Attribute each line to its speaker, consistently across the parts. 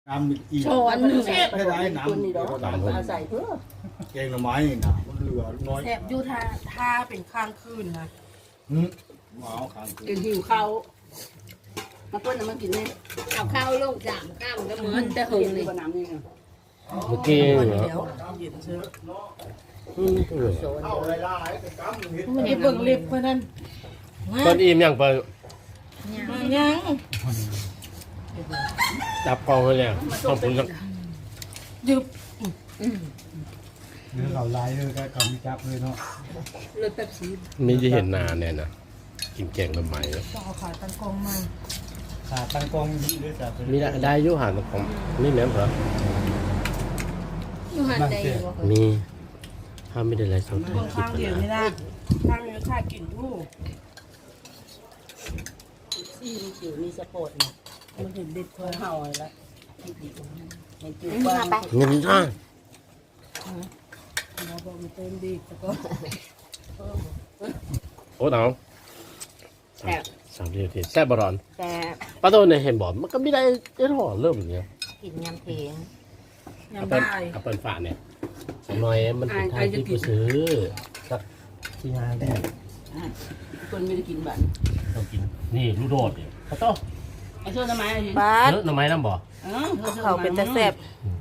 Speaker 1: น้ำอีก
Speaker 2: ช้อนหนึ่ง
Speaker 1: ไม่ได้น้ำ
Speaker 3: อาศัยเพื่อ
Speaker 1: แกงหน่อไม้นะมันเหลือน้อย
Speaker 2: แสบอยู่ท่าเป็นข้างคืนนะ
Speaker 1: หมาข้างคื
Speaker 3: กินหิวข้าวมาเปิ้ลน้ำมันกินเนี่ย
Speaker 4: เอาข้าวลงจามข้าวมันก็เหมือนจะหึงเลย
Speaker 3: น้ำนี่
Speaker 5: เมื่อกี้เหรอ
Speaker 2: เดี๋ยวเย็นเชื้อ
Speaker 1: เอาไรล่ะไอ้กำเห็ด
Speaker 2: มันจะเบิ่งเล็บเพื่อนนั่น
Speaker 5: ตอนอิ่มยังไป
Speaker 2: ยัง
Speaker 5: จับกองไว้แล้วต้องผมจะ
Speaker 2: ยึบ
Speaker 1: เนื้อเขาลายเลยก็เขามีจับเลยเนาะ
Speaker 4: เลยแบบสี
Speaker 5: ไม่ได้เห็นนานเนี่ยนะกินแกงทำไม
Speaker 2: ต้องเอาขาตั้งกองมา
Speaker 1: ขาตั้งกองดีเลยจ้ะ
Speaker 5: มีได้ยุหานของนี่แม่นเหรอ
Speaker 4: อยู่หันใจอยู่บ่
Speaker 5: มีถ้าไม่ได้ไรสอง
Speaker 2: เบิ่งข้างเดียวนี่นะข้างนี้ข้ากินอยู่
Speaker 3: ซี่มีจิ๋วมีสปอร์ต
Speaker 2: มันเห็นเด็ด
Speaker 3: เพื่อเห่าอะไรเห็นจิ๋ว
Speaker 4: มา
Speaker 3: บ้าง
Speaker 4: ไป
Speaker 5: เงินจ้า
Speaker 2: เราบอกมันเต็มดีแต่ก็
Speaker 5: โอ้เอาสามเดียวทีแซ่บบรอน
Speaker 4: แต่
Speaker 5: ป้าโตเนี่ยเห็นบอกมันก็ไม่ได้ได้ถอดเริ่มอย่างเงี้ย
Speaker 4: กินยำเพง
Speaker 5: เอา
Speaker 2: ยำ
Speaker 5: เปิ้ล
Speaker 2: ได้
Speaker 5: เอาเปิ้ลฝาเนี่ยสน้อยมันเป็นทางที่กูซื้อสักที่ห้าได้
Speaker 3: คนไม่ได้กินบั่น
Speaker 5: ต้องกินนี่ลูกโดดเนี่ยป้าโต
Speaker 3: ไอ้ช่วยทำไมไอ้ยิง
Speaker 2: บาส
Speaker 5: เยอะหน่อไม้น้ำบ่
Speaker 2: เขาเป็นตะแซ่บ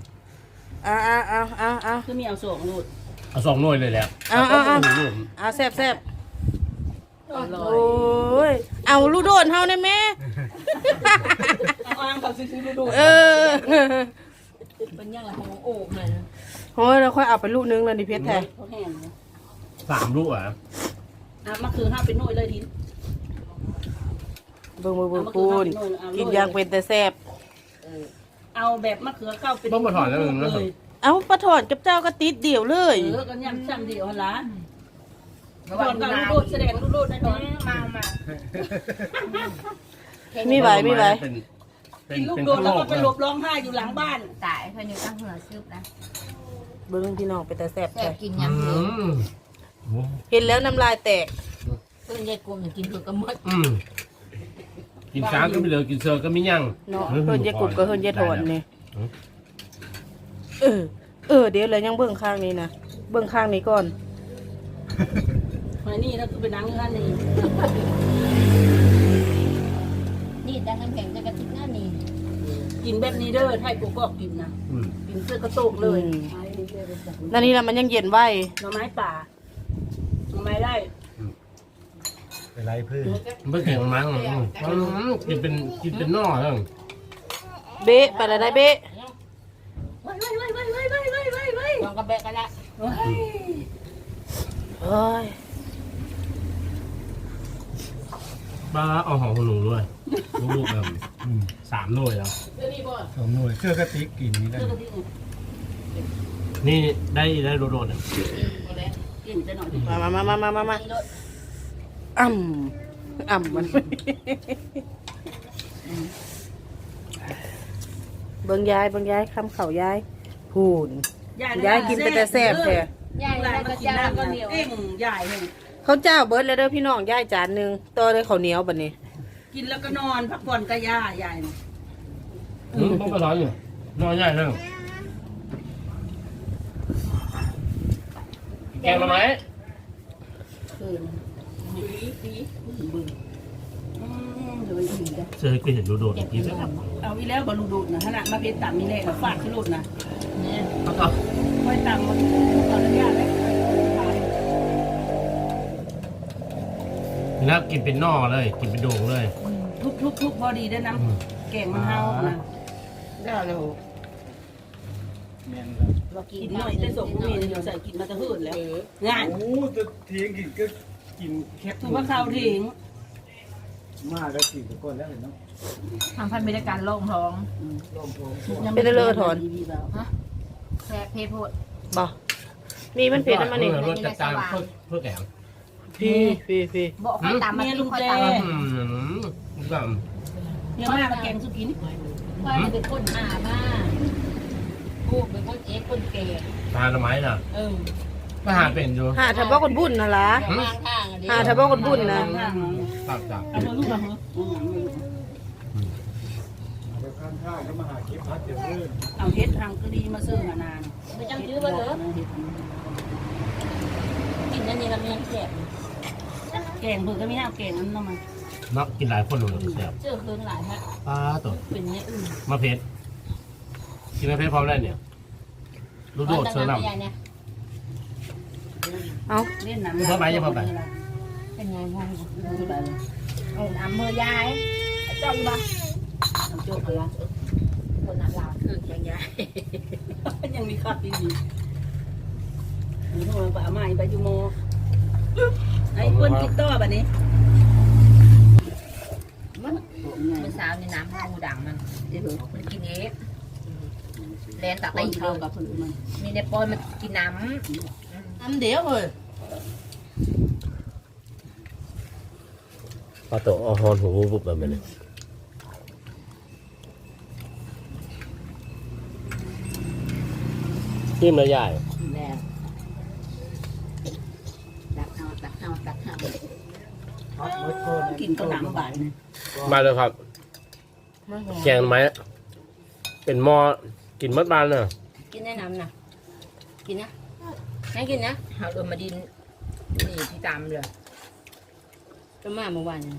Speaker 2: เอา
Speaker 3: คือมีเอาส่งลูด
Speaker 5: เอาสองหน่วยเลยแหละ
Speaker 2: เอาแซ่บแซ่บโอ้ยเอาลูกโดนเฮาได้แม่
Speaker 3: เอาอ้างเขาซื้อลูด
Speaker 2: เออ
Speaker 4: เป็นยังไงของโอ่งเลย
Speaker 2: โอ้ยเราค่อยเอาไปลูกนึงเลยดิเพชรแท้
Speaker 3: เขาแห้ง
Speaker 5: สามลูกอ่ะ
Speaker 3: มาคือห้าเป็นหน่วยเลยดิน
Speaker 2: เบิ่งปูนกินยางเป็นแต่แซ่บ
Speaker 3: เอาแบบมะเขือเข้าเป็น
Speaker 5: ต้องมาถอดแล้วมึงนะ
Speaker 3: เลย
Speaker 2: เอาปลาถอนกับเจ้าก็ติดเดี่ยวเลย
Speaker 3: กันยำซ้ำเดียวละถอนกับลูดแสดงลูดได้ถอน
Speaker 4: มา
Speaker 2: มีไหว
Speaker 3: กินลูกโดนแล้วก็ไปหลบร้องไห้อยู่หลังบ้าน
Speaker 4: ตายเพิ่นอยู่ตั้งหัวซึบนะ
Speaker 2: เบิ่งพี่น้องเป็นแต่แซ่บ
Speaker 4: แต่
Speaker 2: แท้
Speaker 4: กินยำเพง
Speaker 2: เห็นแล้วน้ำลายแตก
Speaker 4: เพิ่นยายกลมกินเพิ่นก็หมด
Speaker 5: กินช้างก็ไม่เหลือกินเสือก็ไม่ยั่ง
Speaker 2: เนาะเพิ่นยายกรุบก็เพิ่นยายถอนนี่เดี๋ยวเลยยังเบิ่งข้างนี้นะเบิ่งข้างนี้ก่อน
Speaker 3: มานี่นะคือเป็นนังท่านนี่
Speaker 4: นี่ดังน้ำแข็งจะกระติกหน้านี่
Speaker 3: กินแบบนี้เด้อไทยกูก็กินนะกินเสื้อกระโตกเลย
Speaker 2: นั่นนี่นะมันยังเย็นไว้
Speaker 3: หน่อไม้ป่าหน่อไม้ได้
Speaker 1: เป็นไรเพื่อน
Speaker 5: ไม่เก่งมันมั้งกินเป็นนอกแล้ว
Speaker 2: เบ๊ะไปแล้วได้เบ๊ะ
Speaker 3: ว้าย
Speaker 4: ลองกระแบะกันละ
Speaker 2: เอ้ย
Speaker 5: ป้าเอาหอมหนูด้วยลูกๆแบบสามหน่วยแล้ว
Speaker 1: สองหน่วยเสื้อกระติกกินนี่ได้
Speaker 5: นี่ได้โดดๆเนี่ย
Speaker 3: กินจะหน่อย
Speaker 2: มาอ่ำมันเบิ่งยายคำเข่ายายพูนยายกินไปแต่แซ่บแท้
Speaker 4: ยาย
Speaker 3: ใหญ่
Speaker 4: ได้
Speaker 3: มา
Speaker 4: ก็
Speaker 3: กิน
Speaker 4: จ้า
Speaker 3: น้ำก็เหนียวเอ็งใหญ่เลย
Speaker 2: เขาเจ้าเบิร์ดแล้วเด้อพี่น้องยายจานหนึงต่อเลยข้าวเหนียวบัดนี้
Speaker 3: กินแล้วก็นอนพักผ่อนกระยาใหญ่
Speaker 5: ต้องไปร้อนอยู่นอนใหญ่เลยแกงมาไหมเจอกูเห็นโดดๆกินแล้ว
Speaker 3: เอาอีแล้วบอลูดูดนะขนาดมาเป็นต่ำมีแน่ฟาดขึ้นรูดนะ
Speaker 4: เนี่ย
Speaker 5: เอาต่อ
Speaker 3: ค่อยต่ำมันตอนระยะเลย
Speaker 5: แล้วกินเป็นนอกเลยกินเป็นโด่งเลย
Speaker 3: ทุกพอดีได้น้ำแกงมันเฮานะ
Speaker 2: ได้แล้ว
Speaker 1: แม่น
Speaker 4: เรากิน
Speaker 3: กินหน่อยได้ส่งมีเดี๋ยวใส่กินมาจะหื่นแล้วงาน
Speaker 1: โอ้จะเทียงกินก็กินแคบ
Speaker 3: ถูกว่าข้าวทิ้ง
Speaker 1: มากแล้วกินไปก่อนแล้วเนาะ
Speaker 4: ทำพันบริการโล่งท้อง
Speaker 1: ลองท้อง
Speaker 2: เป็นเลอะถอน
Speaker 4: แซ่บเพโพด
Speaker 2: บ่นี่มันเผ็ดนะมันนี่
Speaker 5: รสจัดจานเพื่อแกง
Speaker 2: พี่
Speaker 4: บอกให้ตามมาลุงคอยตาม
Speaker 5: แบบ
Speaker 3: เยอะมากแกงสุกิน
Speaker 4: ว่าเป็นคนหามากูเป็นคนเอ็กคนเกย์
Speaker 5: ทานละไม้น่ะก็หาเป็นอยู่
Speaker 2: หาทะบอกคนบุญนะล่ะ
Speaker 4: เดี๋ยววางทางอ่ะดิ
Speaker 2: หาทะบอกคนบุญนะ
Speaker 5: ตับจับ
Speaker 3: เอาลูกมาเหรอ
Speaker 1: เดี๋ยวข้างทข้าวก็มาหาเก็บพัดเดี๋ยวเรื่อย
Speaker 3: เอาเฮ็ดทางก็ดีมาซื้อมานาน
Speaker 4: ไม่จำชื่อว่าเหรอกินอันนี้แล้วมันยังแสบ
Speaker 3: แกงเพิ่นก็มีน้ำแกงนั้นเนาะมัน
Speaker 5: นักกินหลายคนเลยแซ่บ
Speaker 4: เจอคืนหลายฮะ
Speaker 5: ปลาตัว
Speaker 4: เป็นเนี่ยอื่น
Speaker 5: มะเพ็ดกินมะเพ็ดพร้อมได้เนี่ยลูกโดดเสือน้ำ
Speaker 4: เนี่ย
Speaker 2: เอา
Speaker 3: เล่นน้ำ
Speaker 5: เพิ่มไปยังเพิ่มไป
Speaker 4: เป็นไงพ่อ
Speaker 3: ไป
Speaker 4: เอาน้ำมือยายเจ้าอยู่บ้าน
Speaker 3: น้ำโจ๊กอะไร
Speaker 4: คนน้ำลาวคือยังยาย
Speaker 3: ยังมีคัดดีนี่โทรไปเอามาไปอยู่โมไอ้เพิ่นกินต่อบัดนี้
Speaker 4: เมื่อเช้าในน้ำข้าวดังมันมันกินเองแลนตัก
Speaker 3: ไป
Speaker 4: ไป
Speaker 3: เข้ากับเพิ่นมัน
Speaker 4: มีในปอยมันกินน้
Speaker 2: อันเดียวเลย
Speaker 5: ปลาตัวเอาฮอนหูบุบแบบนี้จิ้มแล้วใหญ่
Speaker 4: แล้วตักเอาตักเอาตักเอา
Speaker 1: พัดเบิดก้อน
Speaker 3: กินก็หนังบาดนี่
Speaker 5: มาเลยครับ แกงไหมเป็นหม้อกินมัดบานเนอะ
Speaker 4: กินแนะนำนะกินนะให้กินนะเอาลงมาดินนี่ที่ตามเลยก็มาเมื่อวาน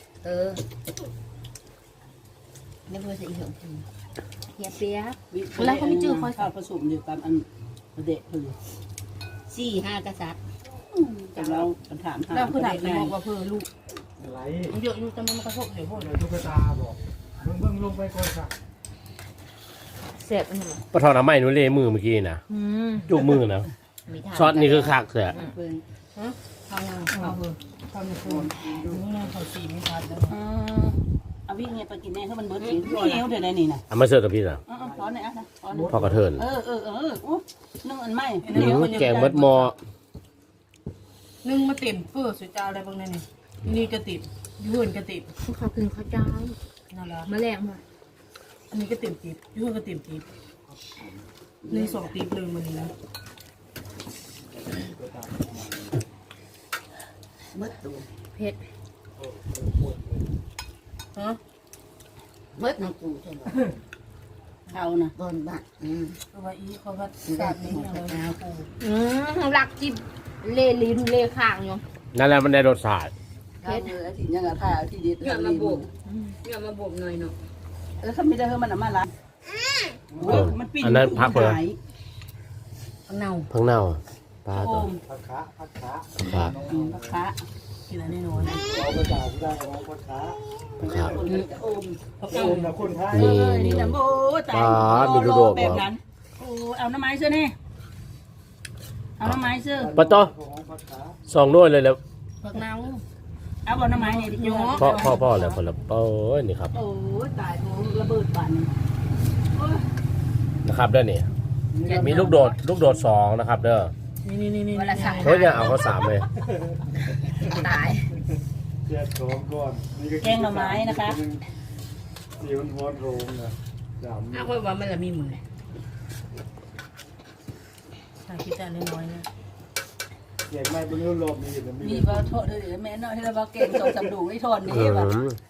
Speaker 4: ไม่เพื่อจะอีกหนึ่งเฮียเปียกแล้วเขาไม่จืดคอย
Speaker 3: ข้าวผสมอยู่กับอันเด็กเพิ่น
Speaker 4: 4-5กษัตริย์
Speaker 3: แต่เราถามหา
Speaker 2: แล้วคือไหนไปบอกว่าเพื่อลูก
Speaker 1: อะไร
Speaker 2: มันเยอะอยู่แต่มันกระทบเดี๋ยวพวก
Speaker 1: เดี๋ยวตุ๊กตาบอกเบิ่งลงไปก่อนค่ะ
Speaker 4: เสพอันนี้
Speaker 5: ปลาทอดน้ำไหม้หนูเล่มือเมื่อกี้นะจุกมือนะช็อตนี่คือคักเสีย
Speaker 3: เพิ่น
Speaker 2: ทำงานเอาเพื่อทำในครัวนี่ไงเขาสีไม่ทันแล้ว
Speaker 3: เอาวิ่งเนี่ยไปกินแน่ถ้ามันเบิดกินเหี่ยวเดี๋ยวได้นี่น่ะ
Speaker 5: เอามาเสิร์ฟกับพี่นะ
Speaker 3: ถอนหน่อยอ่ะนะถอน
Speaker 5: พ่อกระเทิน
Speaker 3: โอ้นึ่งอันใหม่
Speaker 5: แกงมัดหม้อ
Speaker 2: นึ่งมาเต็มเฟื่อสุดจ้าอะไรบางนั่นนี่นี่กระติบยื่นกระติบ
Speaker 4: เขากินข้าวเจ้า
Speaker 2: นั่นแหละ
Speaker 4: แมลงมา
Speaker 2: อันนี้ก็ติ่มติบยื่นก็ติ่มติบนี่2ติบเลยมันนี้นะ
Speaker 4: เผ็ด
Speaker 2: ฮะ
Speaker 4: เบิดน้ำปูใช่ไหม
Speaker 3: เขานะ
Speaker 4: บนบ้าน
Speaker 2: เพราะว่าอีเขาก็สาดนี้อะไรปู
Speaker 4: หลักจิบเล่ลิ้นเล่ข้างอยู่
Speaker 5: นั่นแหละมันได้รสชาติ
Speaker 3: เขาเลยที่ยังถ่ายที่ดี
Speaker 4: เงื่อนมาบุบเงื่อนมาบุบหน่อยเนาะ
Speaker 3: เขาไม่ได้เฮ้มันมาละมันปิ้ง
Speaker 5: อันนั้นพักเลย
Speaker 4: เน่า
Speaker 5: พังเน่าปลา
Speaker 3: โอ
Speaker 5: ตัว
Speaker 3: ม
Speaker 1: ผักขาผักขา
Speaker 5: ปลา
Speaker 3: ราคา
Speaker 2: กินอะไรน้อย
Speaker 1: เอาไปจ่ายได้เอาผักขา
Speaker 5: ปลา
Speaker 3: โอม
Speaker 1: โอมนะคนไทย
Speaker 3: นี่นะโอ้ตายแบบนั้นโอ้เอาน้ำไม้เสื้อนี่เอาน้ำไม้เสื้อ
Speaker 5: ปลาตัว
Speaker 1: ของผักขา
Speaker 5: สองด้วยเลยแล้ว
Speaker 2: ผักนาว
Speaker 3: เอาบอลน้ำไม้เนี่ยดิโย
Speaker 5: พ่อเลยคนละโอ้ยนี่ครับ
Speaker 3: โอ้ตายโถระเบิดปั่น
Speaker 5: นะครับเด้อนี่มีลูกโดด2นะครับเด้อ
Speaker 2: นี่
Speaker 4: วันละสั่ง
Speaker 5: เฮ้ยอย่าเอาเขา3เลย
Speaker 4: ตาย
Speaker 1: เจ็ดสองก่อนนี่ก็
Speaker 3: แกงหน่อไม้นะคะ
Speaker 1: สีมันโหดโรงนะดำ
Speaker 4: อ้าวว่ามันละมีมือ
Speaker 2: ใส่คิดแต่น้อยๆนะ
Speaker 1: เก็บไม่เป็นรูปรอบนี้อยู่แล้ว
Speaker 3: มีว่าโทษเลยแม่น้อยที่เราว่าเก่งส่งสำดูให้ทอนนี่แบบ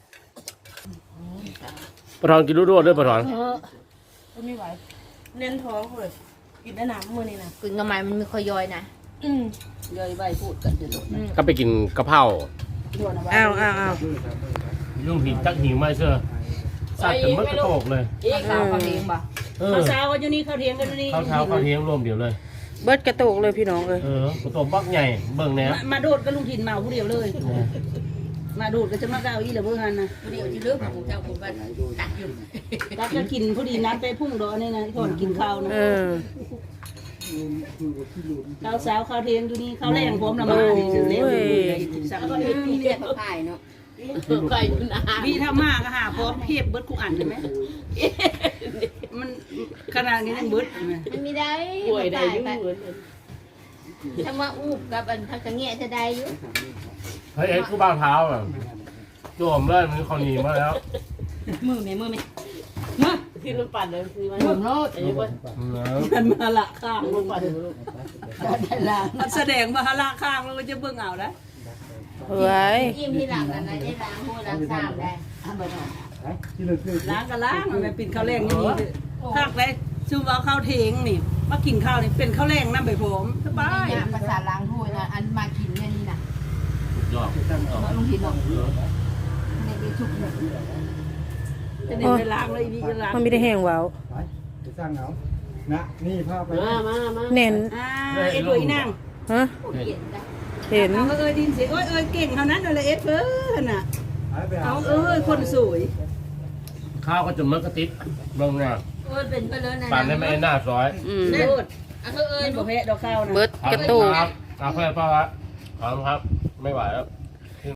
Speaker 5: ปลาทอนกินลูกโดดด้วยปลาทอน
Speaker 2: ก็ไม่ไหวเน้นท้องเลยกินได้น้ำมือนี่นะ
Speaker 4: กินกระไม้มันไม่ค่อยย่อยนะ
Speaker 3: ย่อยใบพูดกันจะหลุด
Speaker 5: ก็ไปกินกะเพรา
Speaker 2: อ้าว
Speaker 5: ลุงหินจักหิวไม่เชื่อสัตว์แต่เมื่อกระโตกเลย
Speaker 4: เอ๊ะข้าวเขาเลี้ยงป่ะ
Speaker 3: เขาเช้ากันอยู่นี่เขาเทียงกันอยู่นี่
Speaker 5: ข้าวเช้าข้าวเที่ยงรวมเดียวเลย
Speaker 2: เบิดกระโตกเลยพี่น้องเลย
Speaker 5: กระโตกบักใหญ่เบิ่งแน่
Speaker 3: มาโดดกับลุงถิ่นเมาผู้เดียวเลย มาโดดก็จะมาเก้าอี้เหลือเพื่อนนะ
Speaker 4: เดี๋ยวจะเลือกของเจ้าผมว่าตักอยู่
Speaker 3: รักจะกินผู้ดีนัดไปพุ่งดอนี่นะทอนกินข้าวนะ ข้าวเช้าข้าวเทียงอยู่นี่ข้าวแรงพร้อมละมาถือเลี้ยงสั่ง
Speaker 4: ก็มีเรียกเขาขายเนาะไก่อยู่นะ
Speaker 3: พี่ทำมากก็หาพร้อมเพียบเบิดกูอ่านใช่ไหมมันขนาดนี้ยังเบิด
Speaker 4: มันไม่ได้ป่วยได้ยุ่งถ้าว่าอูบกับอันทักกระเงี้ยจะได้อยู่
Speaker 5: เฮ้ยกูบ้าเท้าอ่ะโจมเลยมันเขาหนีมาแล้ว
Speaker 4: มือไหมที่รถปั่นเลยคือมันผมรถไอ้คน
Speaker 3: มันมาละข้างลงไปมันแสดงมาละข้างแล้วก็จะเบิ่งเอาได้
Speaker 2: เฮ้ย
Speaker 4: ยิ้มที่หลังอะไรได้ล้างหัวล้างสามได้
Speaker 1: ที่เราซื้อ
Speaker 3: ล้างก็ล้างมันเป็นข้าวแรงนี่นี่ภาคเลยซูเอาข้าวเทงนี่มากินข้าวนี่เป็นข้าวแรงน้ำใบผมสบาย
Speaker 4: นี่ภาษาล้างถ้วยนะอันมากินเนี่ยนี่นะ
Speaker 5: ยอด
Speaker 4: ลุงหินบอกในเบชุกเนี่ย
Speaker 3: จะได้ไปล้างเลยนี่จะล้าง
Speaker 2: มันมีแต่แห้งว้าว
Speaker 1: ไปไปสร้างเอานะนี่ภาพไป
Speaker 5: มา
Speaker 2: แน่น
Speaker 3: เอ็ดรวยนั่ง
Speaker 2: ฮะ
Speaker 4: เกลียดได้
Speaker 2: เห็น
Speaker 3: เอาเอ้ยดินเสียเอ้ยเก่งเท่านั้นเลยเอ็ดเพิ่นน่ะ
Speaker 1: ไป
Speaker 3: เอาคนสวย
Speaker 5: ข้าวก็จะมันกระติดลงเนี่ย
Speaker 4: เอ้ยเป็นไปเลยนะ
Speaker 5: ปั่นได้ไม่หน้าซอย
Speaker 3: โลด
Speaker 4: อ่ะเอ้ย
Speaker 3: บ่แพ้ดอกข้าวนะ
Speaker 2: เบิดกระตู้
Speaker 5: เอาแค่ป้าวะพร้อมครับ ไม่ไหวแล้ว